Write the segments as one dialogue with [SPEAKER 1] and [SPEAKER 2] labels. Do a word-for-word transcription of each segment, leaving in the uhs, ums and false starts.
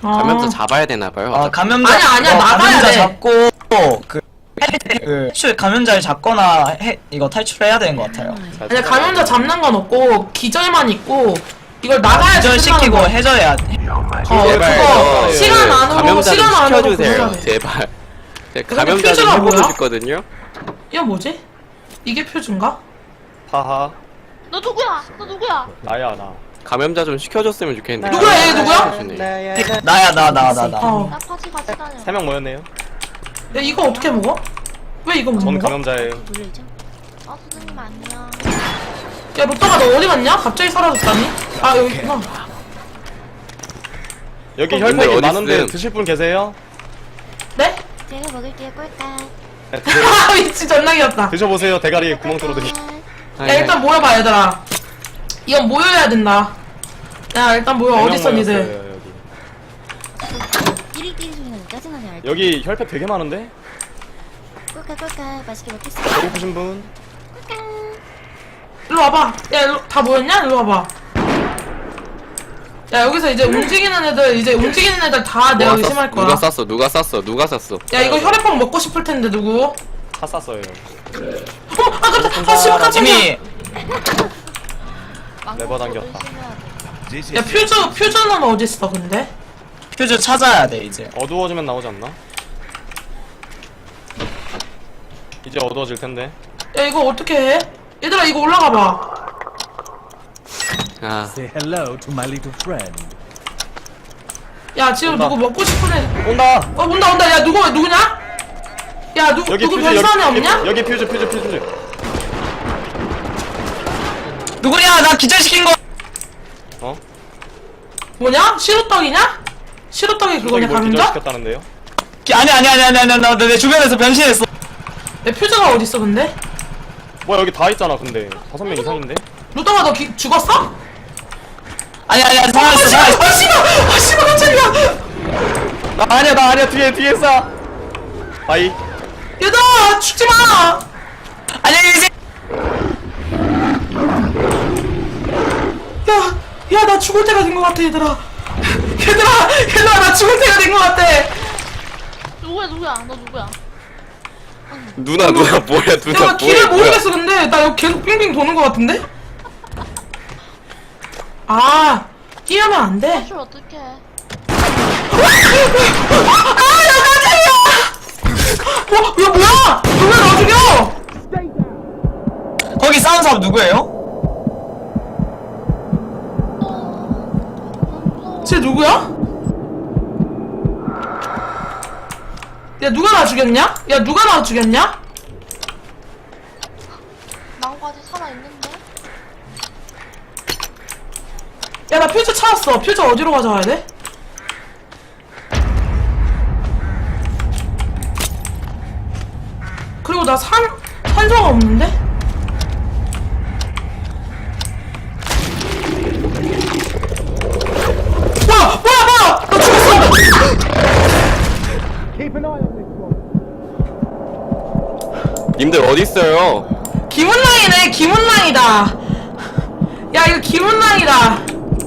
[SPEAKER 1] 감염자 잡아야 되나봐요.
[SPEAKER 2] 아 감염자
[SPEAKER 3] 아니야, 아니야,
[SPEAKER 2] 어,
[SPEAKER 3] 나가야
[SPEAKER 2] 감염자
[SPEAKER 3] 돼.
[SPEAKER 2] 잡고 그 그 탈출 감염자를 잡거나 해, 이거 탈출해야 되는 것 같아요.
[SPEAKER 3] 아니 감염자 잡는 건 없고 기절만 있고 이걸 나가야지
[SPEAKER 2] 기절시키고
[SPEAKER 3] 끝나는
[SPEAKER 2] 해줘야 돼.
[SPEAKER 3] 거. 어
[SPEAKER 1] 제발,
[SPEAKER 3] 그거
[SPEAKER 1] 저
[SPEAKER 3] 시간 안으로
[SPEAKER 1] 감염자 좀
[SPEAKER 3] 시간 안으로
[SPEAKER 1] 시켜주세요.
[SPEAKER 3] 그거를 해.
[SPEAKER 1] 제발. 제가
[SPEAKER 3] 근데
[SPEAKER 1] 감염자 좀
[SPEAKER 3] 퓨즈가
[SPEAKER 1] 해보고
[SPEAKER 3] 뭐야?
[SPEAKER 1] 싶거든요.
[SPEAKER 3] 이거 뭐지? 이게 표준가?
[SPEAKER 4] 하하
[SPEAKER 5] 너 누구야? 너 누구야?
[SPEAKER 4] 나야 나
[SPEAKER 1] 감염자 좀 시켜줬으면 좋겠는데.
[SPEAKER 3] 누구야, 얘 누구야?
[SPEAKER 1] 감염자
[SPEAKER 2] 나야 나 나 나 나.
[SPEAKER 3] 어.
[SPEAKER 5] 나 파티 같이 다녀.
[SPEAKER 4] 세 명 모였네요.
[SPEAKER 3] 야 이거 어떻게 먹어? 왜 이거 못
[SPEAKER 4] 전
[SPEAKER 3] 먹어?
[SPEAKER 4] 감염자예요.
[SPEAKER 5] 어 선생님 안녕.
[SPEAKER 3] 야 로또가 너 어디 갔냐? 갑자기 사라졌다니? 아 여기 있구나.
[SPEAKER 4] 여기
[SPEAKER 1] 님들
[SPEAKER 4] 혈팩이
[SPEAKER 1] 어디
[SPEAKER 4] 많은데
[SPEAKER 1] 있음?
[SPEAKER 4] 드실 분 계세요?
[SPEAKER 3] 네?
[SPEAKER 5] 제가 먹을게요 꿀까.
[SPEAKER 4] 네, 드세,
[SPEAKER 3] 아 미친 존나 귀엽다.
[SPEAKER 4] 드셔보세요. 대가리 구멍 뚫어드리.
[SPEAKER 3] 야 일단 모여봐 얘들아. 이건 모여야 된다. 야 일단 모여. 어딨어 니들?
[SPEAKER 5] 띠리띠리 소리가 왜 짜증나냐 알지?
[SPEAKER 4] 여기 혈팩 되게 많은데?
[SPEAKER 5] 꿀까 꿀까 맛있게 먹겠어.
[SPEAKER 4] 배고프신 분?
[SPEAKER 5] 꿀까.
[SPEAKER 3] 일로 와봐. 야 일로 다 모였냐? 일로 와봐. 야 여기서 이제 움직이는 애들 이제 움직이는 애들 다 내가 의심할 거야.
[SPEAKER 1] 누가 쐈어? 누가 쐈어? 누가 쐈어?
[SPEAKER 3] 야 이거 혈액빵 먹고 싶을 텐데 누구?
[SPEAKER 4] 다 쌌어요.
[SPEAKER 3] 어머 아 깜짝 아 씨발 깜짝이야.
[SPEAKER 2] 이미
[SPEAKER 4] 레버 당겼다.
[SPEAKER 3] 야 퓨즈 퓨즈는 어디 있어 근데?
[SPEAKER 2] 퓨즈 찾아야 돼 이제.
[SPEAKER 4] 어두워지면 나오지 않나? 이제 어두워질 텐데.
[SPEAKER 3] 야 이거 어떻게 해? 얘들아 이거 올라가 봐.
[SPEAKER 1] 아,
[SPEAKER 6] Say hello to my little friend.
[SPEAKER 3] 야 지금
[SPEAKER 4] 온다.
[SPEAKER 3] 누구 먹고 싶은 애?
[SPEAKER 4] 온다!
[SPEAKER 3] 어 온다 온다. 야 누구 누구냐? 야 누구
[SPEAKER 4] 여기
[SPEAKER 3] 누구
[SPEAKER 4] 퓨즈
[SPEAKER 3] 별산에
[SPEAKER 4] 여기,
[SPEAKER 3] 없냐?
[SPEAKER 4] 여기 퓨즈 퓨즈 퓨즈.
[SPEAKER 2] 누구냐? 나 기절시킨 거.
[SPEAKER 4] 어?
[SPEAKER 3] 뭐냐? 시루떡이냐? 시루떡이 그거냐
[SPEAKER 4] 뭘
[SPEAKER 3] 감자?
[SPEAKER 4] 기절시켰다는데요?
[SPEAKER 2] 기- 아니 아니 아니 아니 아니 나내 주변에서 변신했어.
[SPEAKER 3] 야 퓨즈가 어디 있어 근데?
[SPEAKER 4] 뭐야 여기 다 있잖아 근데 다섯 명 이상인데?
[SPEAKER 3] 루떡아 너 기, 죽었어?
[SPEAKER 2] 아니 아니 아니
[SPEAKER 3] 아
[SPEAKER 2] 살았어
[SPEAKER 3] 씨발
[SPEAKER 2] 살았어.
[SPEAKER 3] 아 씨발 아 씨발 깜짝이야.
[SPEAKER 4] 나 아니야 나 아니야 뒤에 뒤에 싸! 바이.
[SPEAKER 3] 얘들아 죽지 마.
[SPEAKER 2] 안녕히 계세요.
[SPEAKER 3] 야, 야, 나 죽을 때가 된 것 같아, 얘들아. 얘들아, 얘들아, 나 죽을 때가 된 것 같아.
[SPEAKER 5] 누구야 누구야? 너 누구야?
[SPEAKER 1] 누나 누나 뭐야
[SPEAKER 3] 야,
[SPEAKER 1] 누나
[SPEAKER 3] 나 길을
[SPEAKER 1] 뭐야 뭐야?
[SPEAKER 3] 모르겠어, 근데. 나 여기 계속 빙빙 도는 것 같은데? 아, 뛰면 안 돼.
[SPEAKER 5] 탈출 어떡해?
[SPEAKER 3] 아, 야, 깜짝이야! 어, 야, 뭐야? 너 왜 나 죽여?
[SPEAKER 2] 거기 싸운 사람 누구예요?
[SPEAKER 3] 쟤 누구야? 야, 누가 나 죽였냐? 야, 누가 나 죽였냐?
[SPEAKER 5] 나까지 살아 있는데?
[SPEAKER 3] 야, 나 퓨즈 찾았어. 퓨즈 어디로 가져가야 돼? 그리고 나 산, 산소가 없는데? 뭐야! 뭐야! 뭐야! 나 죽었어!
[SPEAKER 1] 님들 어디 있어요?
[SPEAKER 3] 김은랑이네, 김은랑이다. 야, 이거 김은랑이다.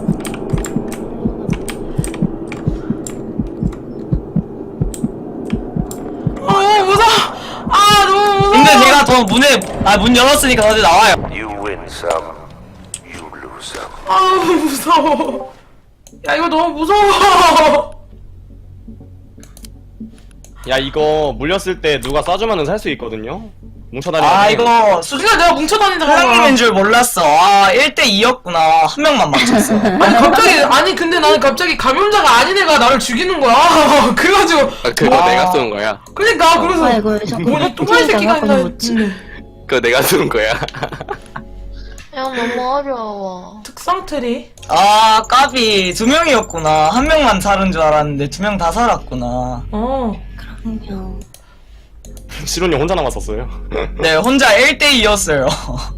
[SPEAKER 3] 아, 너무 무서워. 아, 너무 무서워.
[SPEAKER 2] 근데 제가 더 문에 아 문 열었으니까 다들 나와요.
[SPEAKER 7] You win some, you lose some.
[SPEAKER 3] 아, 너무 무서워. 야, 이거 너무 무서워.
[SPEAKER 4] 야 이거 물렸을 때 누가 쏴주면은 살 수 있거든요? 뭉쳐다니는
[SPEAKER 2] 아 이거 수지
[SPEAKER 3] 수지가 내가 뭉쳐다니다가.
[SPEAKER 2] 사랑님인 줄 몰랐어. 아 일 대 이였구나. 한 명만 맞췄어.
[SPEAKER 3] 아니, 갑자기, 아니, 근데 나는 갑자기 감염자가 아닌 애가 나를 죽이는 거야. 그래가지고.
[SPEAKER 1] 아, 그거
[SPEAKER 3] 와.
[SPEAKER 1] 내가 쏜 거야.
[SPEAKER 3] 그러니까, 그래서.
[SPEAKER 8] 아이고 자꾸
[SPEAKER 3] 뭐냐, 또라이 새끼가 있나 했는데.
[SPEAKER 1] 그거 내가 쏜 거야.
[SPEAKER 5] 야 너무 어려워.
[SPEAKER 3] 특성 트리.
[SPEAKER 2] 아 까비 두 명이었구나. 한 명만 살은 줄 알았는데 두 명 다 살았구나.
[SPEAKER 3] 어.
[SPEAKER 8] 그럼요.
[SPEAKER 4] 시론이 혼자 남았었어요.
[SPEAKER 2] 네 혼자 일 대 이였어요.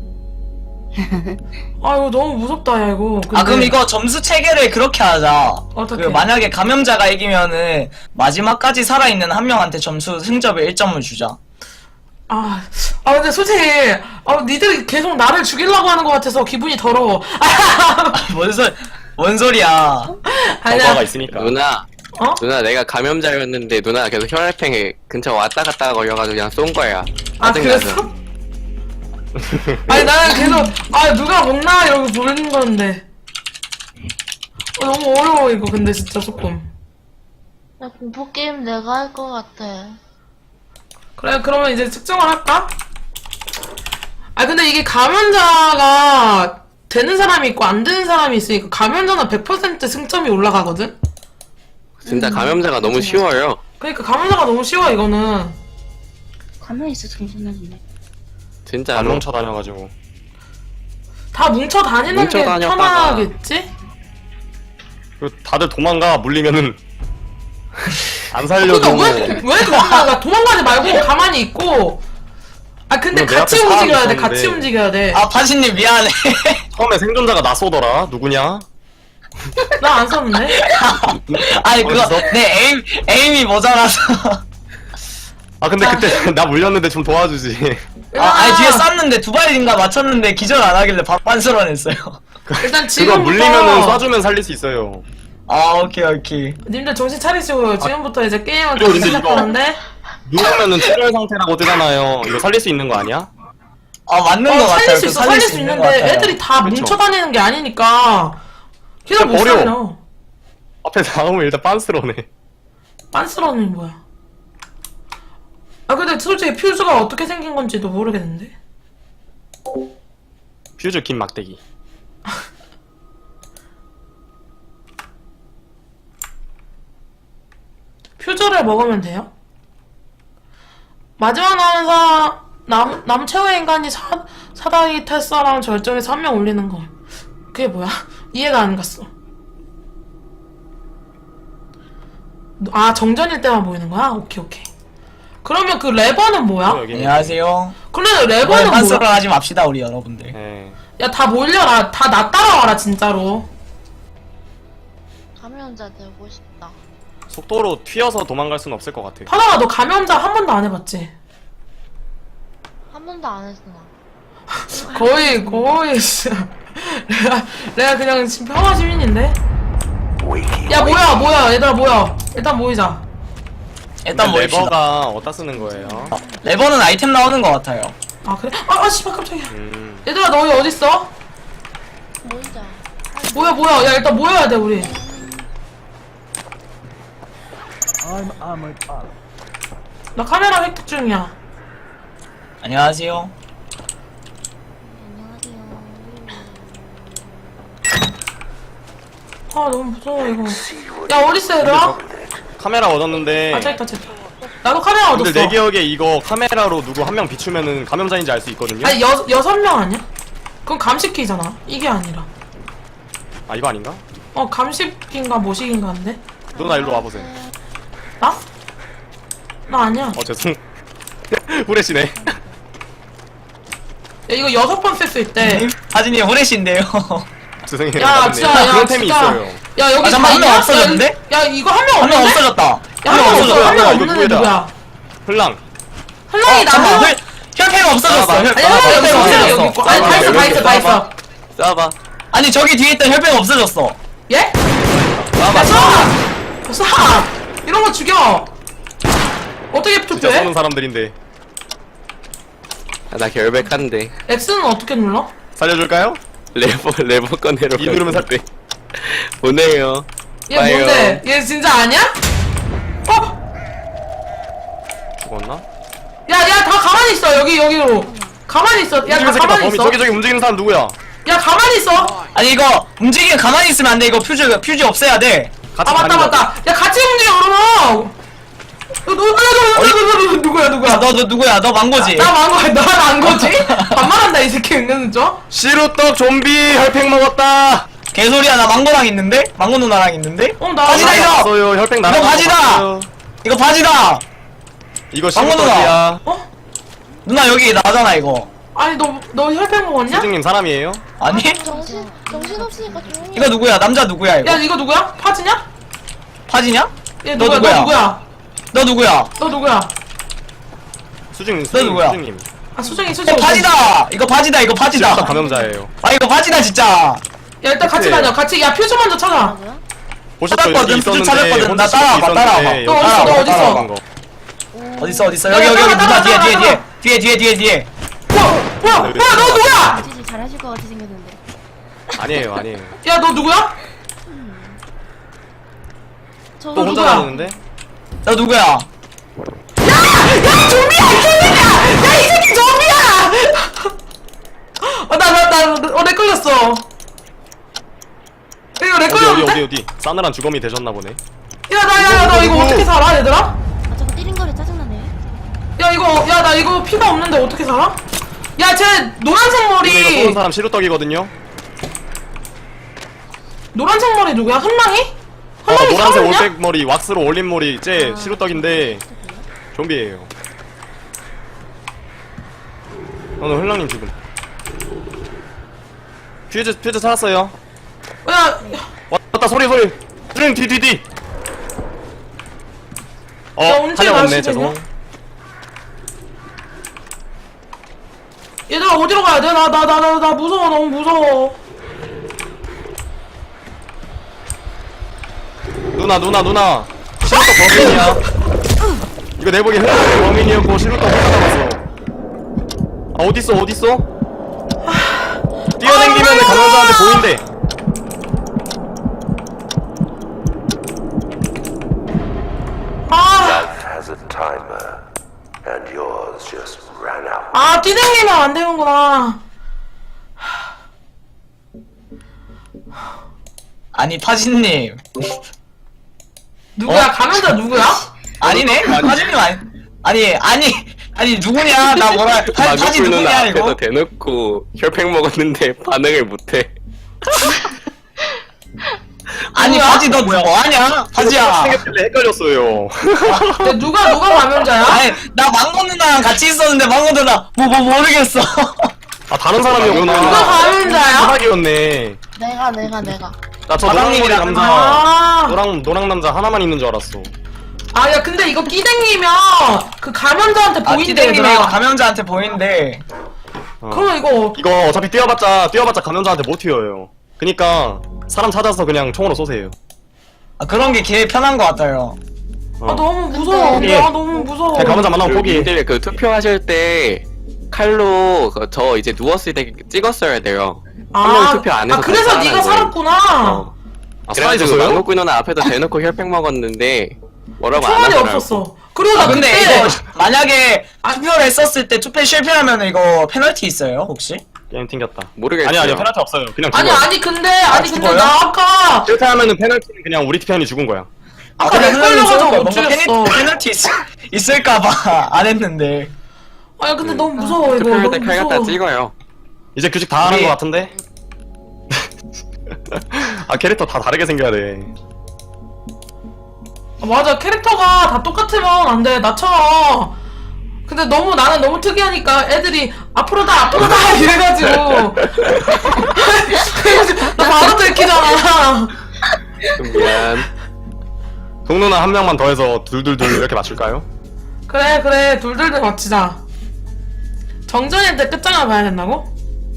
[SPEAKER 3] 아, 이거 너무 무섭다, 야, 이거.
[SPEAKER 2] 아 그럼
[SPEAKER 3] 근데-
[SPEAKER 2] 이거 점수 체계를 그렇게 하자.
[SPEAKER 3] 어떻게?
[SPEAKER 2] 그 만약에 감염자가 이기면은 마지막까지 살아있는 한 명한테 점수 승점을 일 점을 주자.
[SPEAKER 3] 아, 아 근데 솔직히 아 니들이 계속 나를 죽이려고 하는 것 같아서 기분이 더러워.
[SPEAKER 2] 뭔 소리 뭔 소리야.
[SPEAKER 4] 저거가
[SPEAKER 3] 아니야.
[SPEAKER 4] 있으니까.
[SPEAKER 1] 누나
[SPEAKER 3] 어?
[SPEAKER 1] 누나 내가 감염자였는데 누나가 계속 혈액팽에 근처 왔다 갔다 걸려가지고 그냥 쏜 거야.
[SPEAKER 3] 아
[SPEAKER 1] 짜증나서.
[SPEAKER 3] 그랬어? 아니 나는 계속 아 누가 먹나 이러고 부르는 건데 어, 너무 어려워 이거 근데 진짜 조금.
[SPEAKER 5] 야, 공포게임 내가 할 것 같아.
[SPEAKER 3] 그래 그러면 이제 측정을 할까? 아 근데 이게 감염자가 되는 사람이 있고 안 되는 사람이 있으니까 감염자는 백 퍼센트 승점이 올라가거든?
[SPEAKER 1] 진짜 감염자가 너무 쉬워요.
[SPEAKER 3] 그러니까 감염자가 너무 쉬워 이거는.
[SPEAKER 5] 가만히 있어, 정신없네.
[SPEAKER 1] 진짜
[SPEAKER 4] 안 뭉쳐 다녀가지고.
[SPEAKER 3] 다 뭉쳐 다니는
[SPEAKER 1] 뭉쳐
[SPEAKER 3] 게
[SPEAKER 1] 다녔다가-
[SPEAKER 3] 편하겠지?
[SPEAKER 4] 그 다들 도망가 물리면은 안 살려줘.
[SPEAKER 3] 그러니까 왜, 왜 도망가? 도망가지 말고 가만히 있고. 아 근데
[SPEAKER 4] 내
[SPEAKER 3] 같이
[SPEAKER 4] 앞에 사람이
[SPEAKER 3] 움직여야 돼.
[SPEAKER 4] 있었는데.
[SPEAKER 3] 같이 움직여야 돼.
[SPEAKER 2] 아 바지님 미안해.
[SPEAKER 4] 처음에 생존자가 나 쏘더라. 누구냐?
[SPEAKER 3] 나 안 썼는데.
[SPEAKER 2] 아니 그거
[SPEAKER 4] 어디서?
[SPEAKER 2] 내 에임 에임이 모자라서.
[SPEAKER 4] 아 근데 그때 나 물렸는데 좀 도와주지.
[SPEAKER 2] 아 아니 뒤에 쐈는데 두 발인가 맞췄는데 기절 안 하길래 바- 빤스러냈어요.
[SPEAKER 3] 일단
[SPEAKER 4] 그거
[SPEAKER 3] 지금부터
[SPEAKER 4] 물리면은 쏴주면 살릴 수 있어요.
[SPEAKER 2] 아 오케이 오케이.
[SPEAKER 3] 님들 정신 차리시고요. 지금부터 이제 게임을
[SPEAKER 4] 그리고 근데 이거-
[SPEAKER 3] 시작하는데.
[SPEAKER 4] 누우면은 출혈 상태라고 뜨잖아요. 이거 살릴 수 있는 거 아니야?
[SPEAKER 2] 아 맞는
[SPEAKER 3] 어,
[SPEAKER 2] 거 같아요.
[SPEAKER 3] 살릴 수
[SPEAKER 2] 그
[SPEAKER 3] 있어. 살릴 수
[SPEAKER 2] 있는
[SPEAKER 3] 있는데
[SPEAKER 2] 것 같아요.
[SPEAKER 3] 애들이 다
[SPEAKER 4] 그쵸.
[SPEAKER 3] 뭉쳐 다니는 게 아니니까. 걔들 못
[SPEAKER 4] 버려.
[SPEAKER 3] 살려.
[SPEAKER 4] 앞에 나오면 일단 빤스러네.
[SPEAKER 3] 빤스러는 뭐야? 아 근데 솔직히 퓨즈가 어떻게 생긴 건지도 모르겠는데.
[SPEAKER 4] 퓨즈 긴 막대기.
[SPEAKER 3] 퓨즈를 먹으면 돼요? 마지막 남은 사, 남, 남 최후의 인간이 사, 사다리 탈 사람 절정에서 한 명 올리는 거. 그게 뭐야? 이해가 안 갔어. 아, 정전일 때만 보이는 거야? 오케이, 오케이. 그러면 그 레버는 뭐야?
[SPEAKER 4] 여기.
[SPEAKER 2] 안녕하세요.
[SPEAKER 3] 근데
[SPEAKER 2] 이번에
[SPEAKER 3] 레버는
[SPEAKER 2] 빤스러
[SPEAKER 3] 뭐야?
[SPEAKER 2] 하지 맙시다 우리 여러분들.
[SPEAKER 4] 네.
[SPEAKER 3] 야, 다 몰려라. 다 나 따라와라, 진짜로.
[SPEAKER 5] 감염자 되고 싶다.
[SPEAKER 4] 속도로 튀어서 도망갈 수는 없을 것 같아.
[SPEAKER 3] 파다가 너 감염자 한 번도 안 해봤지?
[SPEAKER 5] 한 번도 안 했어, 나.
[SPEAKER 3] 거의, 거의, 진짜. 내가, 내가 그냥 지금 평화 시민인데?
[SPEAKER 7] Wakey.
[SPEAKER 3] 야, 뭐야, 뭐야, 얘들아, 뭐야. 일단 모이자.
[SPEAKER 2] 일단
[SPEAKER 4] 근데
[SPEAKER 2] 모입시다.
[SPEAKER 4] 레버가 어디다 쓰는 거예요?
[SPEAKER 2] 레버는 아이템 나오는 것 같아요.
[SPEAKER 3] 아, 그래? 아, 아, 씨발, 깜짝이야.
[SPEAKER 4] 음.
[SPEAKER 3] 얘들아, 너희 어딨어?
[SPEAKER 5] 모이자.
[SPEAKER 3] 뭐야, 뭐야. 야, 일단 모여야 돼, 우리.
[SPEAKER 6] I'm armored up.
[SPEAKER 3] 나 카메라 획득 중이야.
[SPEAKER 2] 안녕하세요.
[SPEAKER 5] 안녕하세요.
[SPEAKER 3] 아, 너무 무서워, 이거. 야, 어딨어, 얘들아?
[SPEAKER 4] 카메라 얻었는데.
[SPEAKER 3] 아, 저기 있다, 저기 있다. 나도 카메라 얻었어.
[SPEAKER 4] 근데 내 기억에 이거 카메라로 누구 한 명 비추면은 감염자인지 알 수 있거든요.
[SPEAKER 3] 아니, 여, 여섯 명 아니야? 그건 감식기잖아. 이게 아니라.
[SPEAKER 4] 아 이거 아닌가?
[SPEAKER 3] 어, 감식기인가 모식인가인데?
[SPEAKER 4] 누나 일로 와보세요.
[SPEAKER 3] 나? 나 아니야.
[SPEAKER 4] 어 죄송. 후레쉬네.
[SPEAKER 3] 야, 이거 여섯 번 쓸 수 있대.
[SPEAKER 2] 하진이 후레쉬인데요.
[SPEAKER 4] 죄송해요.
[SPEAKER 3] 야,
[SPEAKER 4] 맞네.
[SPEAKER 3] 진짜, 야,
[SPEAKER 4] 그런 템이
[SPEAKER 3] 진짜.
[SPEAKER 4] 있어요.
[SPEAKER 3] 야, 여기
[SPEAKER 2] 아, 잠깐만,
[SPEAKER 3] 다
[SPEAKER 2] 한명
[SPEAKER 3] 있냐?
[SPEAKER 2] 없어졌는데?
[SPEAKER 3] 야, 야, 이거 한 명
[SPEAKER 2] 한 명
[SPEAKER 3] 없는데?
[SPEAKER 2] 없어졌다.
[SPEAKER 3] 야, 한 명 없어.
[SPEAKER 2] 없어졌다.
[SPEAKER 3] 한 명
[SPEAKER 4] 이거
[SPEAKER 3] 없는데
[SPEAKER 4] 누구야?
[SPEAKER 3] 누구야?
[SPEAKER 4] 흘랑.
[SPEAKER 3] 흘랑이
[SPEAKER 2] 어, 잠깐만.
[SPEAKER 3] 나무?
[SPEAKER 2] 혈- 혈팽 없어졌어. 혈-
[SPEAKER 3] 아니, 흘랑이 여기 있어. 흘랑이
[SPEAKER 2] 없어졌어.
[SPEAKER 3] 여기 있고. 아니, 다 있어, 다 있어, 다 있어.
[SPEAKER 1] 쏴봐.
[SPEAKER 2] 아니 저기 뒤에 있던 혈팽 없어졌어.
[SPEAKER 3] 예? 야, 쏴! 쏴! 이런 거 죽여! 어떻게
[SPEAKER 4] 진짜
[SPEAKER 3] 투표해?
[SPEAKER 4] 쏘는 사람들인데.
[SPEAKER 1] 아, 나 결백한데.
[SPEAKER 3] X는 어떻게 눌러?
[SPEAKER 4] 살려줄까요?
[SPEAKER 1] 레버 레버 꺼내러.
[SPEAKER 4] 이 누르면 살-
[SPEAKER 1] 갔는데. 보내요.
[SPEAKER 3] 얘
[SPEAKER 1] 봐요.
[SPEAKER 3] 뭔데? 얘 진짜 아니야? 어?
[SPEAKER 4] 죽었나?
[SPEAKER 3] 야, 야, 다 가만히 있어. 여기, 여기로. 가만히 있어. 야, 다
[SPEAKER 4] 움직이는 새끼다.
[SPEAKER 3] 가만히
[SPEAKER 4] 범인
[SPEAKER 3] 있어.
[SPEAKER 4] 저기 저기 움직이는 사람 누구야?
[SPEAKER 3] 야, 가만히 있어.
[SPEAKER 2] 아니 이거 움직이면 가만히 있으면 안 돼. 이거 퓨즈 퓨즈 없애야 돼.
[SPEAKER 4] 같이
[SPEAKER 3] 아, 맞다,
[SPEAKER 4] 다니는
[SPEAKER 3] 맞다. 야, 같이 움직여, 그러면. 너, 너, 너, 너, 너, 너, 너, 너, 누구야, 누구야?
[SPEAKER 2] 야, 너, 너 누구야? 너 망고지?
[SPEAKER 3] 나 망고, 나안 거지? 반말한다, 이 새끼 은근슬쩍.
[SPEAKER 4] 시루떡 좀비 혈팽 먹었다.
[SPEAKER 2] 개소리야. 나 망고랑 있는데? 망고 누나랑 있는데?
[SPEAKER 3] 어, 나.
[SPEAKER 2] 바지다, 이거!
[SPEAKER 4] 없어요. 혈팽 나랑
[SPEAKER 2] 이거 바지다! 이거 바지다!
[SPEAKER 4] 이거
[SPEAKER 2] 망고 누나.
[SPEAKER 4] 시루떡이야.
[SPEAKER 3] 어?
[SPEAKER 2] 누나 여기 나잖아 이거.
[SPEAKER 3] 아니, 너, 너 혈팽 먹었냐?
[SPEAKER 4] 수증님 사람이에요?
[SPEAKER 2] 아니?
[SPEAKER 5] 정신, 정신 없으니까 조용히 해.
[SPEAKER 2] 이거 누구야? 남자 누구야 이거?
[SPEAKER 3] 야, 이거 누구야? 파지냐?
[SPEAKER 2] 파지냐?
[SPEAKER 3] 얘
[SPEAKER 2] 너
[SPEAKER 3] 누구야,
[SPEAKER 2] 누구야?
[SPEAKER 3] 너 누구야?
[SPEAKER 2] 너 누구야?
[SPEAKER 3] 너 누구야?
[SPEAKER 4] 수증님
[SPEAKER 2] 너
[SPEAKER 4] 수증님
[SPEAKER 2] 누구야?
[SPEAKER 4] 수증님.
[SPEAKER 3] 아, 수정이, 수정이.
[SPEAKER 2] 이거 바지다! 이거 바지다 이거
[SPEAKER 4] 시루떡
[SPEAKER 2] 바지다!
[SPEAKER 4] 감염자예요.
[SPEAKER 2] 아 이거 바지다 진짜!
[SPEAKER 3] 야, 일단 같이
[SPEAKER 4] 그치?
[SPEAKER 3] 다녀. 같이, 야, 퓨즈 먼저 찾아.
[SPEAKER 5] 뭐야?
[SPEAKER 4] 보셨죠?
[SPEAKER 2] 찾았거든,
[SPEAKER 4] 여기 있었는데
[SPEAKER 2] 찾았거든. 나
[SPEAKER 4] 혼자
[SPEAKER 2] 따라와봐,
[SPEAKER 4] 있었는데
[SPEAKER 2] 따라와봐.
[SPEAKER 4] 여기
[SPEAKER 3] 너 어딨어, 너
[SPEAKER 4] 따라와봐,
[SPEAKER 3] 어딨어?
[SPEAKER 4] 따라간 거.
[SPEAKER 2] 어딨어 어딨어
[SPEAKER 3] 야,
[SPEAKER 2] 여기 여기
[SPEAKER 3] 따라와,
[SPEAKER 2] 여기 누나 뒤에
[SPEAKER 3] 따라와,
[SPEAKER 2] 뒤에
[SPEAKER 3] 따라와.
[SPEAKER 2] 뒤에 뒤에 뒤에 뒤에 뒤에
[SPEAKER 3] 뭐야 뭐야 뭐야 너 누구야?
[SPEAKER 8] 진짜 잘하실 것 같이 생겼는데.
[SPEAKER 4] 아니에요, 아니에요.
[SPEAKER 3] 야 너 누구야?
[SPEAKER 8] 저
[SPEAKER 4] 또 혼자
[SPEAKER 3] 누구야?
[SPEAKER 4] 다니는데?
[SPEAKER 2] 너 누구야?
[SPEAKER 3] 야 좀비야 이 좀비야 야이 새끼 좀비야 어나나나어내 걸렸어 이거 내
[SPEAKER 4] 어디 어디
[SPEAKER 3] 걸렸는데?
[SPEAKER 4] 어디 어디? 싸늘한 주검이 되셨나 보네.
[SPEAKER 3] 야 나 야 나 이거
[SPEAKER 4] 누구?
[SPEAKER 3] 어떻게 살아 얘들아?
[SPEAKER 8] 아 저거 뛰는 거리 짜증나네.
[SPEAKER 3] 야 이거 야 나 이거 피가 없는데 어떻게 살아? 야 쟤 노란색
[SPEAKER 4] 근데 이거 쏘는
[SPEAKER 3] 머리
[SPEAKER 4] 사람 시루떡이거든요.
[SPEAKER 3] 노란색 머리 누구야? 한랑이?
[SPEAKER 4] 어,
[SPEAKER 3] 한랑이
[SPEAKER 4] 노란색
[SPEAKER 3] 살았냐?
[SPEAKER 4] 올백 머리 왁스로 올린 머리 쟤 시루떡인데 좀비예요. 오늘 흘랑님 죽음. 퓨즈 퓨즈 찾았어요.
[SPEAKER 3] 야
[SPEAKER 4] 왔다 소리 소리. 드링 뒤뒤뒤. 어
[SPEAKER 3] 야, 언제
[SPEAKER 4] 탄력 없네
[SPEAKER 3] 날씨
[SPEAKER 4] 죄송.
[SPEAKER 3] 되냐? 얘들아 어디로 가야 돼? 나 나 나 나 나 무서워 너무 무서워
[SPEAKER 4] 누나 누나 누나. 시루떡 범인이야. 이거 내보기 흘랑님 범인이었고 시루떡 혼자 남았어. 아 어딨어 어딨어? 뛰어댕기면 감염자한테 보인대.
[SPEAKER 3] 아,
[SPEAKER 7] Life has a timer, and yours just ran out.
[SPEAKER 3] 아 뛰댕기면 안 되는구나
[SPEAKER 2] 아니 파진님
[SPEAKER 3] 누구야?
[SPEAKER 2] 어?
[SPEAKER 3] 감염자 누구야?
[SPEAKER 2] 아니네 파진님 아니 아니 아니 아니 누구냐 나 뭐라 파, 파진
[SPEAKER 1] 마그풀 누나
[SPEAKER 2] 누구냐
[SPEAKER 1] 앞에서
[SPEAKER 2] 이거
[SPEAKER 1] 대놓고 혈팩 먹었는데 반응을 못해.
[SPEAKER 2] 아니
[SPEAKER 3] 누구야?
[SPEAKER 2] 파지 너 뭐하냐 파지야
[SPEAKER 4] 생겼길래 헷갈렸어요.
[SPEAKER 3] 야, 누가 누가 감염자야?
[SPEAKER 2] 아니 나 망고 누나랑 같이 있었는데 망고 누나 뭐 뭐 모르겠어
[SPEAKER 4] 아 다른 사람이었구나.
[SPEAKER 3] 누가 감염자야?
[SPEAKER 4] 사각이었네.
[SPEAKER 5] 내가 내가 내가
[SPEAKER 4] 나 저 노랑머리
[SPEAKER 2] 바닥님이랑
[SPEAKER 4] 남자
[SPEAKER 3] 아,
[SPEAKER 4] 노랑 노랑 남자 하나만 있는 줄 알았어.
[SPEAKER 3] 아, 야, 근데 이거 끼댕기면 그 감염자한테
[SPEAKER 2] 아
[SPEAKER 3] 보인대,
[SPEAKER 2] 티댕기네 이거
[SPEAKER 3] 얘들아.
[SPEAKER 2] 감염자한테 보이는데
[SPEAKER 4] 어.
[SPEAKER 3] 그럼 이거
[SPEAKER 4] 이거 어차피 뛰어봤자 뛰어봤자 감염자한테 못 튀어요. 그니까 사람 찾아서 그냥 총으로 쏘세요.
[SPEAKER 2] 아 그런 게 개 편한 것 같아요
[SPEAKER 4] 어.
[SPEAKER 3] 아 너무 무서워.
[SPEAKER 4] 근데-
[SPEAKER 3] 아 너무 무서워.
[SPEAKER 4] 그냥 감염자 만나면 포기.
[SPEAKER 1] 님들 그 투표하실 때 칼로 그저 이제 누웠을 때 찍었어야 돼요. 한명 투표 안 해서
[SPEAKER 3] 아 그래서
[SPEAKER 1] 살아난
[SPEAKER 3] 네가
[SPEAKER 1] 거예요.
[SPEAKER 3] 살았구나.
[SPEAKER 1] 어.
[SPEAKER 4] 아
[SPEAKER 1] 그래가지고
[SPEAKER 4] 살아있었어요?
[SPEAKER 1] 망고꾼 누나 앞에서 대놓고 혈팩 먹었는데 뭐라고 안
[SPEAKER 3] 총알이
[SPEAKER 1] 하더라고.
[SPEAKER 3] 없었어. 그리고 나
[SPEAKER 2] 아 근데
[SPEAKER 3] 그때
[SPEAKER 2] 이거 만약에 투표를 했었을 때 투표 실패하면 이거 페널티 있어요 혹시?
[SPEAKER 4] 게임 튕겼다.
[SPEAKER 1] 모르겠어요.
[SPEAKER 4] 아니 아니 페널티 없어요. 그냥
[SPEAKER 3] 아니
[SPEAKER 4] 죽어요.
[SPEAKER 3] 아니 근데 아니 근데
[SPEAKER 2] 죽어요?
[SPEAKER 3] 나 아까
[SPEAKER 4] 실패하면은 페널티는 그냥 우리 편이 죽은 거야.
[SPEAKER 3] 아까 내
[SPEAKER 2] 그러면
[SPEAKER 3] 걸려가지고 못
[SPEAKER 2] 뭔가
[SPEAKER 3] 죽였어.
[SPEAKER 2] 페널- 페널티 있, 있을까봐 안 했는데
[SPEAKER 3] 아니 근데 너무 무서워 이거.
[SPEAKER 1] 투표할
[SPEAKER 3] 너무
[SPEAKER 1] 때 칼 갖다
[SPEAKER 3] 무서워.
[SPEAKER 1] 찍어요.
[SPEAKER 4] 이제 규칙 다 하는
[SPEAKER 2] 우리-
[SPEAKER 4] 거 같은데? 아 캐릭터 다 다르게 생겨야 돼.
[SPEAKER 3] 아, 맞아 캐릭터가 다 똑같으면 안 돼. 나처럼. 근데 너무 나는 너무 특이하니까 애들이 앞으로다 앞으로다 이래가지고 그래가지고 나 바로 들키잖아.
[SPEAKER 1] 좀 미안.
[SPEAKER 4] 동누나 한 명만 더 해서 둘둘둘 이렇게 맞출까요?
[SPEAKER 3] 그래 그래 둘둘둘 맞히자. 정전일 때 끝장을 봐야 된다고?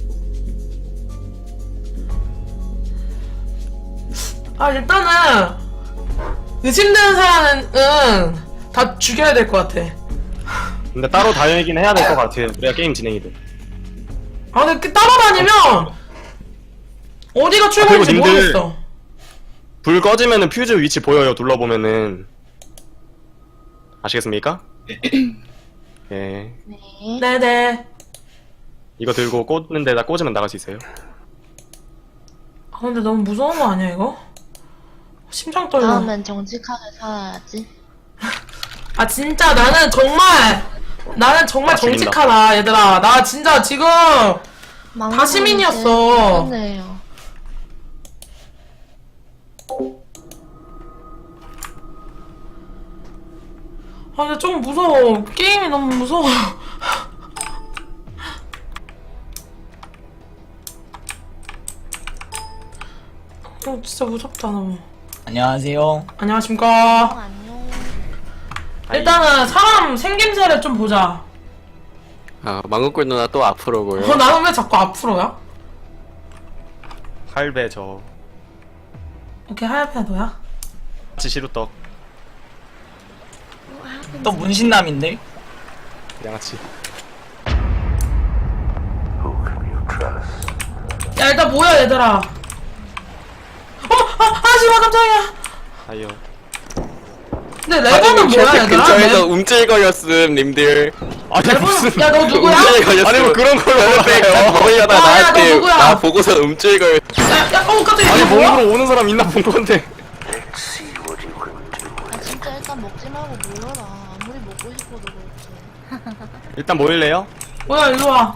[SPEAKER 3] 아 일단은 의심되는 사람은 다 죽여야 될 것 같아.
[SPEAKER 4] 근데 따로 다니긴 해야 될 것 같아요. 그래야 게임 진행이 돼.
[SPEAKER 3] 아 근데 그 따라다니면 어디가 출구인지
[SPEAKER 4] 그리고 님들-
[SPEAKER 3] 모르겠어.
[SPEAKER 4] 불 꺼지면은 퓨즈 위치 보여요. 둘러보면은 아시겠습니까? 예.
[SPEAKER 5] 네.
[SPEAKER 3] 네네.
[SPEAKER 4] 이거 들고 꽂는 데다 꽂으면 나갈 수 있어요.
[SPEAKER 3] 아 근데 너무 무서운 거 아니야 이거? 심장 떨려.
[SPEAKER 5] 다음엔 정직하게 살아야지.
[SPEAKER 3] 아 진짜 나는 정말 나는 정말
[SPEAKER 4] 아, 죽인다.
[SPEAKER 3] 정직하다 얘들아. 나 진짜 지금 다 시민이었어.
[SPEAKER 5] 그러네요.
[SPEAKER 3] 아 근데 좀 무서워. 게임이 너무 무서워. 어 진짜 무섭다 너무.
[SPEAKER 2] 안녕하세요
[SPEAKER 3] 안녕하십니까.
[SPEAKER 5] 안녕.
[SPEAKER 3] 일단은 사람 생김새를 좀 보자.
[SPEAKER 1] 아 망고꾼 누나 또 앞으로고요.
[SPEAKER 3] 어 나는 왜 자꾸 앞으로야?
[SPEAKER 4] 할배 저.
[SPEAKER 3] 오케이 하얀 너야?
[SPEAKER 4] 양아치 시루떡.
[SPEAKER 2] 또 문신남인데?
[SPEAKER 4] 양아치.
[SPEAKER 7] Who can you trust?
[SPEAKER 3] 야 일단 뭐야 얘들아. 어? 아, 하지마 깜짝이야.
[SPEAKER 4] 아이요.
[SPEAKER 3] 근데 레버는 뭐야
[SPEAKER 1] 혈팩
[SPEAKER 3] 얘들아?
[SPEAKER 1] 근처에서
[SPEAKER 3] 레-
[SPEAKER 1] 움찔거렸음 님들.
[SPEAKER 4] 아니 무슨?
[SPEAKER 3] 야 너 누구야?
[SPEAKER 1] 움찔거렸음.
[SPEAKER 4] 아니 뭐 그런 걸
[SPEAKER 1] 혈팩 딱
[SPEAKER 4] 알아요.
[SPEAKER 1] 먹으려다
[SPEAKER 3] 아, 야, 너
[SPEAKER 1] 나한테
[SPEAKER 3] 누구야?
[SPEAKER 1] 나 보고서 움찔거렸.
[SPEAKER 3] 야, 야, 어 깜짝이야.
[SPEAKER 4] 아니
[SPEAKER 3] 이거 뭐야?
[SPEAKER 4] 몸으로 오는 사람 있나 본 건데.
[SPEAKER 7] Let's see what you can do.
[SPEAKER 5] 아 진짜 일단 먹지 말고 모여라. 아무리 먹고 싶어도 그렇지.
[SPEAKER 4] 일단 모일래요?
[SPEAKER 3] 뭐야 일로 와.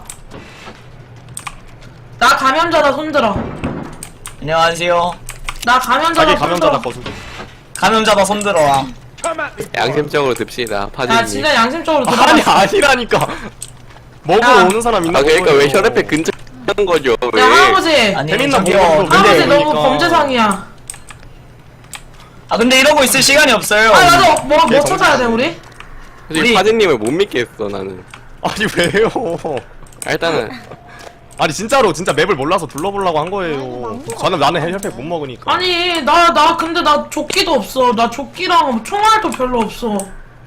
[SPEAKER 3] 나 감염자다 손들어.
[SPEAKER 2] 안녕하세요.
[SPEAKER 3] 나 감염자다
[SPEAKER 4] 자기
[SPEAKER 3] 손들어.
[SPEAKER 4] 감염자다 거수.
[SPEAKER 2] 감염자다 손들어라.
[SPEAKER 1] 양심적으로 듭시다
[SPEAKER 3] 야
[SPEAKER 1] 파진님.
[SPEAKER 3] 진짜 양심적으로 들어.
[SPEAKER 4] 아니 아니라니까. 먹으러
[SPEAKER 3] 야.
[SPEAKER 4] 오는 사람 있나
[SPEAKER 1] 아
[SPEAKER 4] 본
[SPEAKER 1] 그러니까
[SPEAKER 4] 거예요.
[SPEAKER 1] 왜 혈액팩 근처에 하는 거죠? 왜?
[SPEAKER 3] 야 할아버지.
[SPEAKER 2] 아니
[SPEAKER 4] 재밌나
[SPEAKER 2] 저기요.
[SPEAKER 4] 보고
[SPEAKER 2] 근데
[SPEAKER 3] 할아버지
[SPEAKER 4] 근데
[SPEAKER 3] 너무
[SPEAKER 4] 보니까-
[SPEAKER 3] 범죄상이야.
[SPEAKER 2] 아 근데 이러고 있을 시간이 없어요.
[SPEAKER 3] 아 나도 뭐, 뭐
[SPEAKER 4] 걔
[SPEAKER 3] 찾아야 돼 우리?
[SPEAKER 1] 솔직히
[SPEAKER 2] 우리-
[SPEAKER 1] 파진님을 못 믿겠어 나는.
[SPEAKER 4] 아니 왜요?
[SPEAKER 1] 아, 일단은
[SPEAKER 4] 아니 진짜로 진짜 맵을 몰라서 둘러보려고 한
[SPEAKER 5] 아니,
[SPEAKER 4] 거예요.
[SPEAKER 5] 망고
[SPEAKER 4] 저는 나는
[SPEAKER 5] 같아.
[SPEAKER 4] 혈팩 못 먹으니까.
[SPEAKER 3] 아니 나 나 근데 나 조끼도 없어. 나 조끼랑 총알도 별로 없어.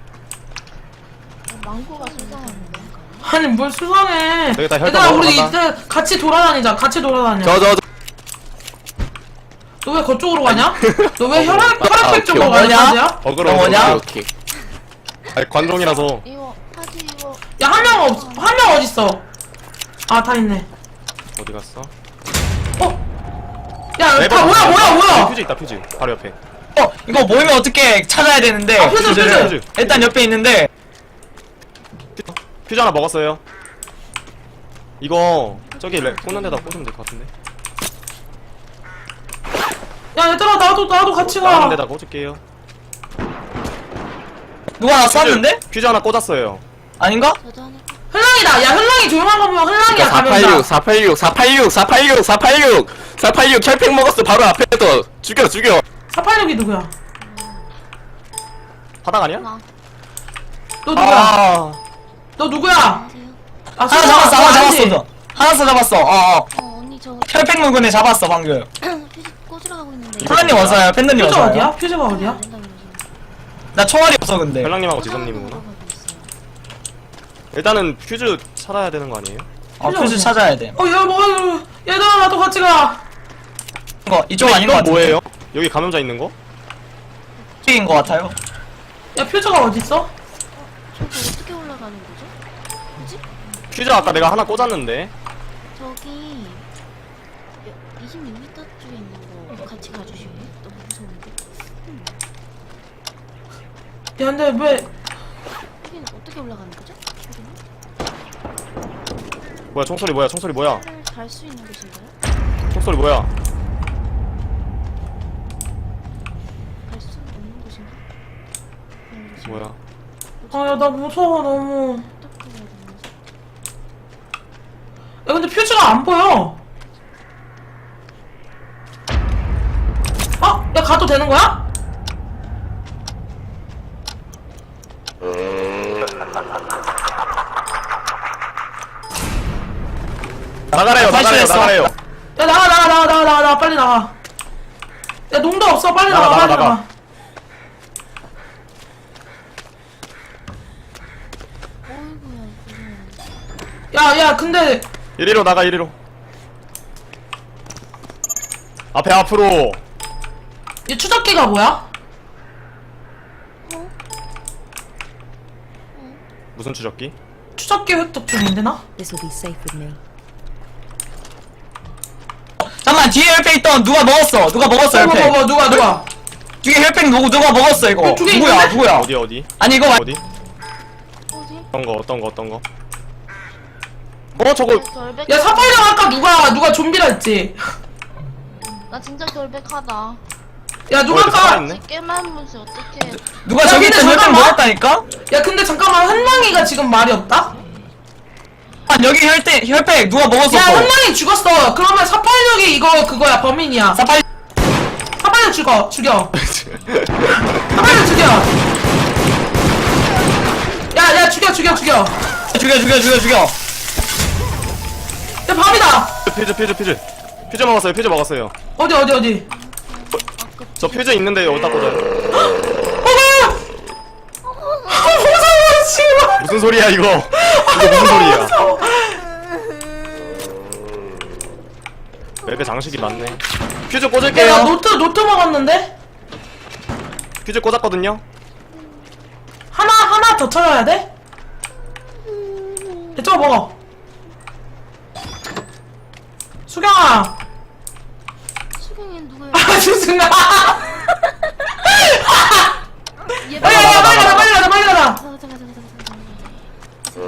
[SPEAKER 5] 망고가 수상한데.
[SPEAKER 3] 아니 뭘 수상해.
[SPEAKER 4] 되겠다, 혈당
[SPEAKER 3] 얘들아 우리
[SPEAKER 4] 먹으러
[SPEAKER 3] 이제 같이 돌아다니자. 같이 돌아다녀.
[SPEAKER 1] 저 저 저.
[SPEAKER 3] 너 왜 그쪽으로 가냐? 너 왜 혈액
[SPEAKER 1] 아,
[SPEAKER 3] 혈액팩 쪽으로
[SPEAKER 1] 오케이.
[SPEAKER 3] 가냐?
[SPEAKER 2] 뭐냐?
[SPEAKER 3] 야
[SPEAKER 4] 어그로
[SPEAKER 2] 어, 뭐냐?
[SPEAKER 1] 오케이.
[SPEAKER 4] 아니 관종이라서.
[SPEAKER 5] 이거 파지 이거
[SPEAKER 3] 한 명 없, 한 명 어딨어? 아 다 있네.
[SPEAKER 4] 어디 갔어?
[SPEAKER 3] 어? 야,
[SPEAKER 4] 레버
[SPEAKER 3] 다 뭐야,
[SPEAKER 4] 있다.
[SPEAKER 3] 뭐야, 뭐야?
[SPEAKER 4] 퓨즈 있다 퓨즈. 바로 옆에.
[SPEAKER 2] 어 이거 모이면 어떻게 찾아야 되는데?
[SPEAKER 3] 아, 퓨즈,
[SPEAKER 2] 퓨즈를.
[SPEAKER 4] 퓨즈.
[SPEAKER 2] 일단 옆에 있는데.
[SPEAKER 4] 퓨즈 하나 먹었어요. 이거 저기 레, 꽂는 데다 꽂으면 될 것 같은데.
[SPEAKER 3] 야, 얘들아, 나도, 나도 같이
[SPEAKER 4] 다른
[SPEAKER 3] 가.
[SPEAKER 4] 데다 꽂을게요.
[SPEAKER 2] 누가 나 쐈는데?
[SPEAKER 4] 퓨즈 하나 꽂았어요.
[SPEAKER 2] 아닌가?
[SPEAKER 5] 저도 하나.
[SPEAKER 3] 흘랑이다. 야, 흘랑이 조용한 거면 흘랑이야, 가면서.
[SPEAKER 1] 사팔육 사팔육 사팔육 사팔육 사팔육 사팔육 혈팩 먹었어 바로 앞에서 죽여 죽여.
[SPEAKER 3] 사팔육이 누구야?
[SPEAKER 4] 바닥 아니야?
[SPEAKER 5] 나.
[SPEAKER 3] 너 누구야?
[SPEAKER 2] 아
[SPEAKER 3] 너 누구야?
[SPEAKER 5] 안녕하세요.
[SPEAKER 3] 아,
[SPEAKER 2] 하나 잡았어 하나
[SPEAKER 3] 아니지?
[SPEAKER 2] 잡았어 너. 하나 잡았어. 어어.
[SPEAKER 5] 어 언니 저
[SPEAKER 2] 혈팩 먹은 애 잡았어 방금.
[SPEAKER 5] 퓨즈 꽂으러 가고 있는데.
[SPEAKER 2] 팬더님 어서요. 팬더님
[SPEAKER 3] 퓨즈
[SPEAKER 2] 어서요.
[SPEAKER 3] 어디야? 퓨즈가 어디야?
[SPEAKER 5] 안 된다고 그러셔.
[SPEAKER 2] 나 총알이 없어 근데.
[SPEAKER 4] 별랑님하고 지선님이구나.
[SPEAKER 5] 가고 있어요.
[SPEAKER 4] 일단은 퓨즈 찾아야 되는 거 아니에요?
[SPEAKER 2] 어 퓨즈 찾아야 돼.
[SPEAKER 3] 어, 야, 뭐, 어, 얘들아, 나도 같이 가.
[SPEAKER 2] 이거 이쪽
[SPEAKER 4] 근데
[SPEAKER 2] 아닌 것
[SPEAKER 4] 이건
[SPEAKER 2] 같은데.
[SPEAKER 4] 뭐예요? 여기 감염자 있는 거?
[SPEAKER 2] 이쪽인 것 같아요.
[SPEAKER 3] 야, 퓨즈가 어딨어?
[SPEAKER 5] 저기 어떻게 올라가는 거죠? 뭐지?
[SPEAKER 4] 퓨즈 아까 내가 하나 꽂았는데.
[SPEAKER 5] 저기 이십육 미터 쪽에 있는 거 같이 가주실래요? 너무 무서운데. 음,
[SPEAKER 3] 야, 근데 왜,
[SPEAKER 5] 여기는 어떻게 올라가는 거죠? 여기는
[SPEAKER 4] 뭐야 총소리 뭐야 총소리 뭐야
[SPEAKER 5] 갈 수 있는 곳인가요?
[SPEAKER 4] 총소리 뭐야
[SPEAKER 5] 갈 수 없는 곳인가? 그런 곳인가?
[SPEAKER 4] 뭐야
[SPEAKER 3] 아, 야, 나 무서워, 너무.
[SPEAKER 5] 어떻게 가야 되는 거지?
[SPEAKER 3] 야, 근데 퓨즈가 안 보여. 어? 야, 가도 되는 거야?
[SPEAKER 4] 나가래요 나가래요
[SPEAKER 2] 탈출했어.
[SPEAKER 4] 나가래요
[SPEAKER 3] 야, 나가, 나가, 나가, 나가, 나가, 나가, 빨리 나가. 야, 농도 없어, 빨리 나가,
[SPEAKER 4] 나가,
[SPEAKER 3] 빨리
[SPEAKER 4] 나가,
[SPEAKER 3] 나가.
[SPEAKER 4] 나가.
[SPEAKER 5] 어이구야 이거.
[SPEAKER 3] 야, 야, 근데,
[SPEAKER 4] 이리로 나가 이리로 앞에 앞으로
[SPEAKER 3] 이 추적기가 뭐야?
[SPEAKER 4] 무슨 추적기?
[SPEAKER 3] 추적기 획득 중인데, 나?
[SPEAKER 9] This will be safe with me.
[SPEAKER 2] 잠깐만 뒤에 혈팩 있던 누가 먹었어. 누가 먹었어
[SPEAKER 3] 뭐, 뭐,
[SPEAKER 2] 혈팩.
[SPEAKER 3] 뭐, 누가, 누가?
[SPEAKER 2] 뒤에 혈팩 누구 누가 먹었어 이거.
[SPEAKER 3] 어, 두 개
[SPEAKER 2] 누구야
[SPEAKER 3] 있는데?
[SPEAKER 2] 누구야.
[SPEAKER 4] 어디 어디
[SPEAKER 2] 아니 이거 말.
[SPEAKER 4] 어디?
[SPEAKER 5] 어디?
[SPEAKER 4] 어떤 거 어떤 거 어떤 거? 어 저거
[SPEAKER 5] 결백.
[SPEAKER 3] 야, 사팔령 아까 누가, 누가 좀비라 했지?
[SPEAKER 5] 나 진짜 결백하다.
[SPEAKER 3] 야, 누가
[SPEAKER 4] 어, 이거
[SPEAKER 3] 아까,
[SPEAKER 4] 살아있네?
[SPEAKER 5] 깨만 문제 어떻게?
[SPEAKER 2] 누가
[SPEAKER 3] 야,
[SPEAKER 2] 저기
[SPEAKER 3] 근데
[SPEAKER 2] 있던 혈팩
[SPEAKER 3] 잠깐만.
[SPEAKER 2] 먹었다니까?
[SPEAKER 3] 야, 근데 잠깐만, 한랑이가 지금 말이 없다?
[SPEAKER 2] 아 여기 혈팩 혈팩 누가 먹었어?
[SPEAKER 3] 야,
[SPEAKER 2] 또.
[SPEAKER 3] 한랑이 죽었어. 그러면 사팔령이 이거, 그거야, 범인이야.
[SPEAKER 2] 사팔.
[SPEAKER 3] 사팔령 죽어, 죽여. 사팔령 죽여. 야, 야, 죽여, 죽여, 죽여. 야,
[SPEAKER 2] 죽여 죽여 죽여 죽여.
[SPEAKER 3] 밤이다.
[SPEAKER 4] 퓨즈 퓨즈 퓨즈 퓨즈 먹었어요 퓨즈 먹었어요
[SPEAKER 3] 어디, 어디, 어디.
[SPEAKER 4] 저 퓨즈 있는데 여기다 꽂아요.
[SPEAKER 3] 무서워 씨발.
[SPEAKER 4] 무슨 소리야 이거? 이거 무슨 소리야? 맵에 장식이 많네. 퓨즈
[SPEAKER 3] 야, 나
[SPEAKER 4] 꽂을게요.
[SPEAKER 3] 노트 노트 먹었는데
[SPEAKER 4] 퓨즈 꽂았거든요.
[SPEAKER 3] 하나 하나 더 쳐야 돼? 야, 저거 먹어. 수경아.
[SPEAKER 5] 수경이 누구야?
[SPEAKER 3] 아 수승아.
[SPEAKER 5] 얘
[SPEAKER 3] 빨리 가자 빨리 가자 빨리 가자 빨리 가자.
[SPEAKER 5] 가자 가자 가자 가자 가자.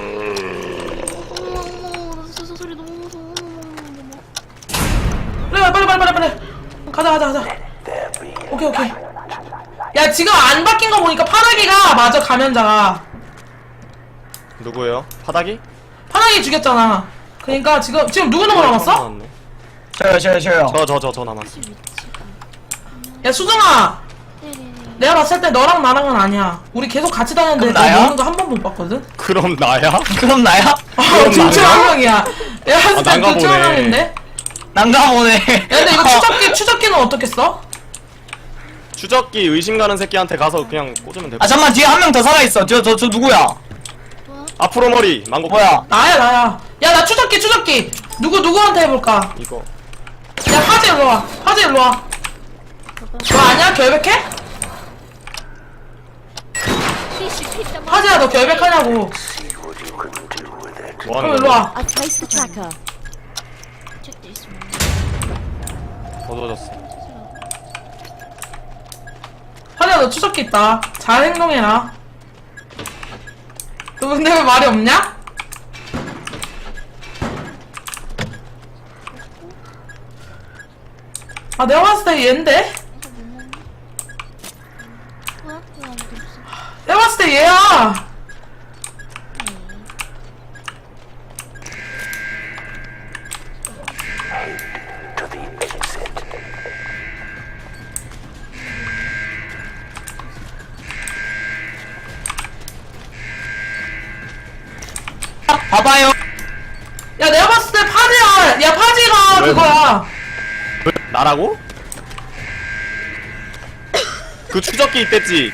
[SPEAKER 5] 어머 어머 저, 저 소리 너무 무서워. 어머, 어머, 어머, 어머.
[SPEAKER 3] 빨리 빨리 빨리 빨리 빨리. 가자 가자 가자. 오케이 오케이. 야 지금 안 바뀐 거 보니까 파닥이가 맞아 감염자가.
[SPEAKER 4] 누구예요? 파닥이?
[SPEAKER 3] 파닥이 죽였잖아. 그러니까 지금 지금 누구 누구 남았어?
[SPEAKER 2] 저요 저요 저요.
[SPEAKER 4] 저 저 저 저 남았어.
[SPEAKER 5] 혹시 위치가?
[SPEAKER 3] 야 수정아.
[SPEAKER 5] 네네네.
[SPEAKER 3] 내가 봤을 때 너랑 나랑은 아니야. 우리 계속 같이 다녔는데
[SPEAKER 2] 그럼
[SPEAKER 3] 너
[SPEAKER 2] 나야?
[SPEAKER 3] 먹는 거 한 번 못 봤거든?
[SPEAKER 4] 그럼 나야?
[SPEAKER 2] 그럼 나야?
[SPEAKER 3] 아, 둘 중 한 명이야. 야,
[SPEAKER 4] 아,
[SPEAKER 3] 진짜
[SPEAKER 4] 난가
[SPEAKER 3] 둘중 한
[SPEAKER 4] 보네.
[SPEAKER 3] 명인데?
[SPEAKER 2] 난감하네.
[SPEAKER 3] 야, 근데 이거 추적기, 추적기는 어떻게 써?
[SPEAKER 4] 추적기 의심 가는 새끼한테 가서 그냥 꽂으면 돼.
[SPEAKER 2] 아 잠만 뒤에 한 명 더 살아있어. 저 저 저 누구야?
[SPEAKER 4] 앞으로 머리 망고.
[SPEAKER 2] 뭐야?
[SPEAKER 3] 나야, 나야. 야, 나 추적기, 추적기. 누구, 누구한테 해볼까?
[SPEAKER 4] 이거.
[SPEAKER 3] 야, 파지 일로 와. 파지 일로 와. 너 아니야? 결백해? 파지야, 너 결백하냐고.
[SPEAKER 4] 뭐
[SPEAKER 3] 그럼
[SPEAKER 4] 하는
[SPEAKER 3] 일로
[SPEAKER 4] 거야?
[SPEAKER 3] 와.
[SPEAKER 5] I placed the tracker. Check this one.
[SPEAKER 4] 어두워졌어.
[SPEAKER 3] 파지야, 너 추적기 있다. 잘 행동해라. 너 근데 왜 말이 없냐? 아, 내가 봤을 때 얘인데?
[SPEAKER 5] 뭐야? 왜 아무도 없어?
[SPEAKER 3] 내가 봤을 때 얘야.
[SPEAKER 7] To the exit.
[SPEAKER 2] 봐봐요.
[SPEAKER 3] 야, 내가 봤을 때 파지야. 야, 파지가
[SPEAKER 4] 왜?
[SPEAKER 3] 그거야.
[SPEAKER 4] 나라고? 그 추적기 있댔지?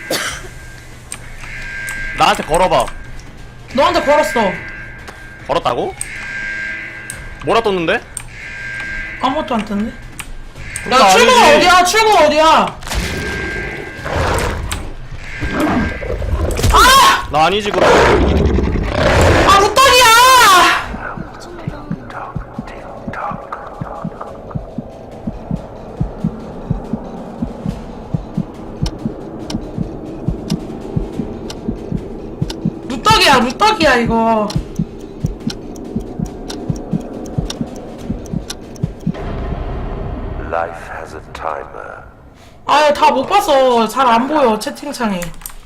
[SPEAKER 4] 나한테 걸어봐.
[SPEAKER 3] 너한테 걸었어.
[SPEAKER 4] 걸었다고? 뭐라 떴는데?
[SPEAKER 3] 아무것도 안 뜨는데?
[SPEAKER 4] 그건
[SPEAKER 3] 야, 출구
[SPEAKER 4] 아니지.
[SPEAKER 3] 어디야? 출구 어디야? 아!
[SPEAKER 4] 나 아니지 그럼.
[SPEAKER 3] 아, 무떡이야! 루떡이야, 루떡이야, 이거.
[SPEAKER 7] Life has a timer.
[SPEAKER 3] 아유, 다 못 봤어. 잘 안 보여, 채팅창에.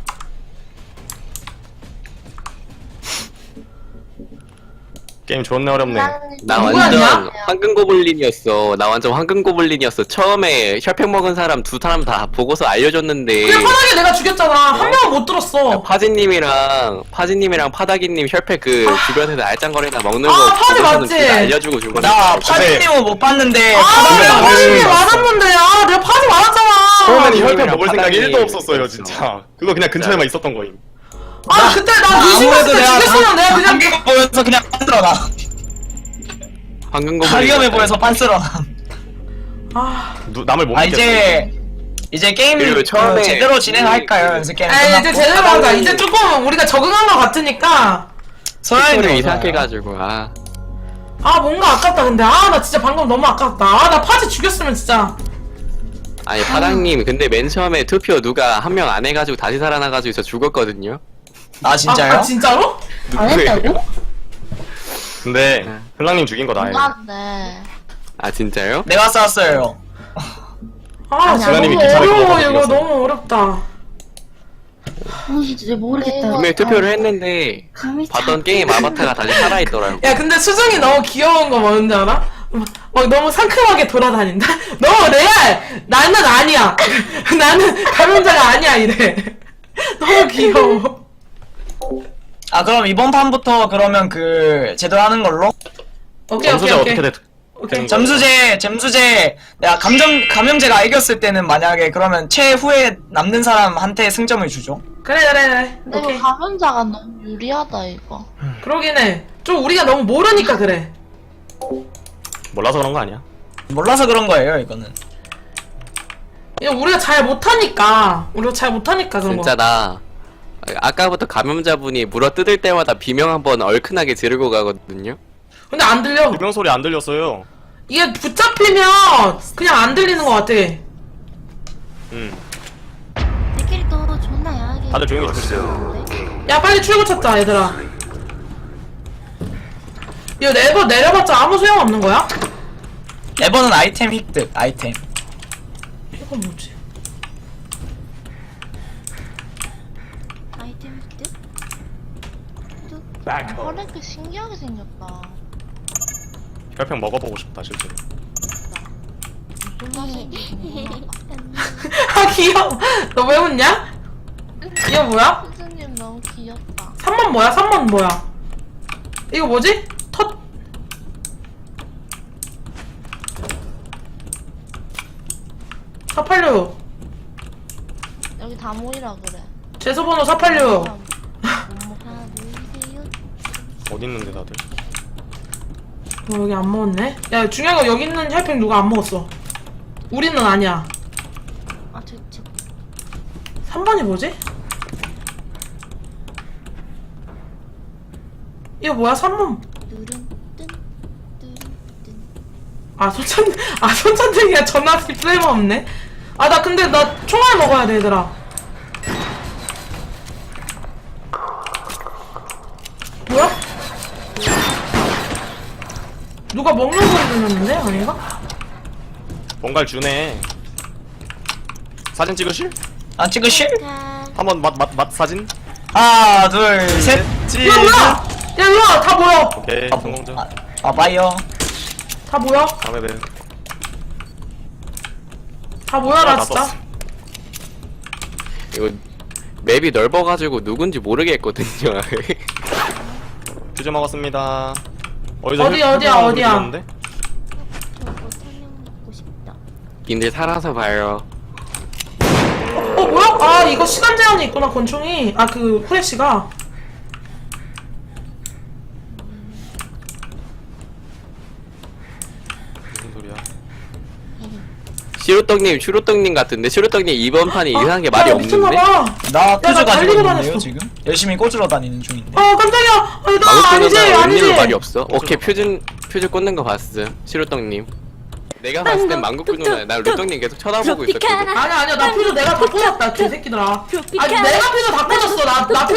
[SPEAKER 4] 게임 존나 어렵네.
[SPEAKER 1] 나
[SPEAKER 3] 누구야,
[SPEAKER 1] 완전
[SPEAKER 3] 누구야?
[SPEAKER 1] 황금 고블린이었어. 나 완전 황금 고블린이었어. 처음에 혈팩 먹은 사람 두 사람 다 보고서 알려줬는데
[SPEAKER 3] 그냥 편하게 내가 죽였잖아. 한 명은 못 들었어.
[SPEAKER 1] 파지님이랑 파지님이랑 파다기님 혈팩 그 주변에서 알짱거리나 먹는
[SPEAKER 3] 아,
[SPEAKER 1] 거
[SPEAKER 3] 파지
[SPEAKER 1] 보고서는
[SPEAKER 3] 맞지?
[SPEAKER 1] 둘다 알려주고 준 거야.
[SPEAKER 2] 나 파지님은 못 봤는데.
[SPEAKER 3] 아,
[SPEAKER 2] 파닥이랑
[SPEAKER 3] 내가
[SPEAKER 4] 나는
[SPEAKER 3] 파지
[SPEAKER 4] 봤어.
[SPEAKER 3] 맞았는데. 아, 내가 파지 맞았잖아.
[SPEAKER 4] 처음엔 이 혈팩
[SPEAKER 1] 파닥이랑
[SPEAKER 4] 먹을 생각이
[SPEAKER 1] 파닥이
[SPEAKER 4] 일도 없었어요
[SPEAKER 1] 있었어.
[SPEAKER 4] 진짜. 그거 그냥 근처에만 있었던 거임.
[SPEAKER 3] 아, 그때 나 의심했을 때 죽였으면 내가 그냥.
[SPEAKER 2] 한개 보여서 그냥 빤스러나.
[SPEAKER 1] 황금
[SPEAKER 2] 다
[SPEAKER 1] 고블린
[SPEAKER 2] 위험해 보여서 빤스러나.
[SPEAKER 3] 아,
[SPEAKER 4] 누, 남을 못
[SPEAKER 2] 아
[SPEAKER 4] 믿겠어.
[SPEAKER 2] 이제 이제 게임
[SPEAKER 1] 그리고 처음에
[SPEAKER 2] 어, 제대로 진행할까요? 연습 게임.
[SPEAKER 3] 아, 이제
[SPEAKER 2] 끝났고.
[SPEAKER 3] 제대로 하자. 이제 조금 우리가 적응한 것 같으니까.
[SPEAKER 2] 소연이
[SPEAKER 1] 소리 이상해가지고 아
[SPEAKER 3] 아, 뭔가 아깝다, 근데. 아, 나 진짜 방금 너무 아깝다. 아, 나 파지 죽였으면 진짜.
[SPEAKER 1] 아니 파닥님 근데 맨 처음에 투표 누가 한 명 안 해가지고 다시 살아나가지고 저 죽었거든요.
[SPEAKER 2] 아 진짜요?
[SPEAKER 3] 아, 아 진짜로?
[SPEAKER 5] 안 했다고?
[SPEAKER 4] 근데 흘랑님 죽인 거 나예요.
[SPEAKER 5] 아, 네.
[SPEAKER 1] 아 진짜요?
[SPEAKER 2] 내가 쐈어요.
[SPEAKER 3] 아, 진짜
[SPEAKER 4] 주연님이
[SPEAKER 3] 너무
[SPEAKER 4] 기차를
[SPEAKER 3] 어려워.
[SPEAKER 4] 걸어서
[SPEAKER 3] 이거
[SPEAKER 4] 죽였어.
[SPEAKER 3] 너무 어렵다.
[SPEAKER 5] 어, 진짜 모르겠다.
[SPEAKER 1] 분명히 투표를 했는데
[SPEAKER 5] 감이
[SPEAKER 1] 봤던 게임 아바타가 다시 살아있더라고.
[SPEAKER 3] 야, 근데 수정이 너무 귀여운 거 뭔지 알아? 막, 막 너무 상큼하게 돌아다닌다? 너무 레알! 나는 아니야! 나는 감염자가 아니야, 이래. 너무 귀여워.
[SPEAKER 2] 아 그럼 이번 판부터 그러면 그 제대로 하는 걸로?
[SPEAKER 3] 오케이, 오케이,
[SPEAKER 4] 점수제
[SPEAKER 3] 오케이.
[SPEAKER 4] 어떻게 됐?
[SPEAKER 3] 오케이.
[SPEAKER 2] 점수제, 점수제. 내가 감정, 감염제가 이겼을 때는 만약에 그러면 최후에 남는 사람한테 승점을 주죠.
[SPEAKER 3] 그래 그래 그래.
[SPEAKER 5] 근데
[SPEAKER 3] 오케이.
[SPEAKER 5] 이거 감염자가 너무 유리하다 이거.
[SPEAKER 3] 그러긴 해. 좀 우리가 너무 모르니까 그래.
[SPEAKER 4] 몰라서 그런 거 아니야?
[SPEAKER 2] 몰라서 그런 거예요, 이거는.
[SPEAKER 3] 이거 우리가 잘 못하니까. 우리가 잘 못하니까 그런
[SPEAKER 1] 진짜
[SPEAKER 3] 거.
[SPEAKER 1] 나 아까부터 감염자분이 물어 뜯을 때마다 비명 한번 얼큰하게 지르고 가거든요.
[SPEAKER 3] 근데 안 들려.
[SPEAKER 4] 비명 소리 안 들렸어요.
[SPEAKER 3] 이게 붙잡히면 그냥 안 들리는 것 같아.
[SPEAKER 4] 음.
[SPEAKER 5] 내 캐릭터 존나 야하게.
[SPEAKER 4] 다들 조용히 좀 해주세요.
[SPEAKER 3] 야 빨리 출구 찾자 얘들아. 이거 레버 내려봤자 아무 소용 없는 거야?
[SPEAKER 2] 에버는 아이템 획득, 아이템.
[SPEAKER 3] 이건 뭐지?
[SPEAKER 5] 아이템 획득? 획득? 허랭크 신기하게 생겼다.
[SPEAKER 4] 혈평 먹어보고 싶다 실제로.
[SPEAKER 5] 무슨 맛인지
[SPEAKER 3] 아 귀여워. 너 왜 웃냐? 이거 뭐야?
[SPEAKER 5] 수준님 너무 귀엽다.
[SPEAKER 3] 삼 번 뭐야? 삼 번 뭐야? 이거 뭐지? 텄 사팔육
[SPEAKER 5] 여기 다 모이라 그래.
[SPEAKER 3] 죄소번호 사팔육.
[SPEAKER 5] 다 모이세요.
[SPEAKER 4] 어디 있는데 다들?
[SPEAKER 3] 어, 여기 안 먹었네? 야 중요한 거 여기 있는 혈팩 누가 안 먹었어. 우리는 아니야.
[SPEAKER 5] 아, 저, 저,
[SPEAKER 3] 삼 번이 뭐지? 이거 뭐야? 삼 번.
[SPEAKER 5] 누른, 뜬, 누른, 뜬.
[SPEAKER 3] 아 손찬 아 손찬등이야. 전화 쓸모없네. 아 나 근데 나 총알 먹어야 돼 얘들아. 뭐야? 누가 먹는 소리 들렸는데? 아닌가?
[SPEAKER 4] 뭔가를 주네. 사진 찍으실?
[SPEAKER 2] 아, 찍으실?
[SPEAKER 5] 자,
[SPEAKER 4] 한번 맛 맛 맛 사진?
[SPEAKER 2] 하나, 둘, 셋.
[SPEAKER 4] 찌.
[SPEAKER 3] 야 뭐야? 야 일로와. 다 모여.
[SPEAKER 4] 오케이 성공적.
[SPEAKER 2] 아, 아, 바이어.
[SPEAKER 3] 다 모여.
[SPEAKER 4] 다음에 봬.
[SPEAKER 3] 다 모여라
[SPEAKER 4] 아,
[SPEAKER 3] 진짜.
[SPEAKER 4] 나
[SPEAKER 1] 이거 맵이 넓어가지고 누군지 모르겠거든요.
[SPEAKER 4] 퓨즈 먹었습니다. 어디서
[SPEAKER 3] 어디,
[SPEAKER 4] 혈-
[SPEAKER 3] 어디야,
[SPEAKER 4] 혈평 소리
[SPEAKER 3] 어디야?
[SPEAKER 4] 들렸는데?
[SPEAKER 5] 저거 사냥 먹고 싶다.
[SPEAKER 1] 님들 살아서 봐요.
[SPEAKER 3] 어 뭐야? 아 이거 시간 제한이 있구나 권총이. 아 그 후레쉬가.
[SPEAKER 4] 무슨 소리야?
[SPEAKER 1] 시루떡님, 슈루떡님 같은데 시루떡님 이번 판이 이상한 게 말이
[SPEAKER 3] 야,
[SPEAKER 1] 없는데?
[SPEAKER 3] 미쳤나봐.
[SPEAKER 2] 나 퓨즈
[SPEAKER 3] 나
[SPEAKER 2] 가지고
[SPEAKER 3] 달리고
[SPEAKER 2] 있는데요,
[SPEAKER 3] 다녔어.
[SPEAKER 2] 지금? 열심히 꽂으러 다니는 중인데.
[SPEAKER 3] 아 깜짝이야. 아니 나
[SPEAKER 1] 방금
[SPEAKER 3] 아니지
[SPEAKER 1] 끄는 사람
[SPEAKER 3] 아니지.
[SPEAKER 1] 언니는 말이 없어. 오케이 퓨즈 퓨즈 꽂는 거 봤어. 시루떡님. 내가 봤을 땐 망국 누나, 나 루떡님 계속 쳐다보고 있었거든.
[SPEAKER 3] 아니야 아니야 나 퓨즈 내가 다 꽂았다 개새끼들아. 아니 내가 퓨즈 다 꽂았어. 나 나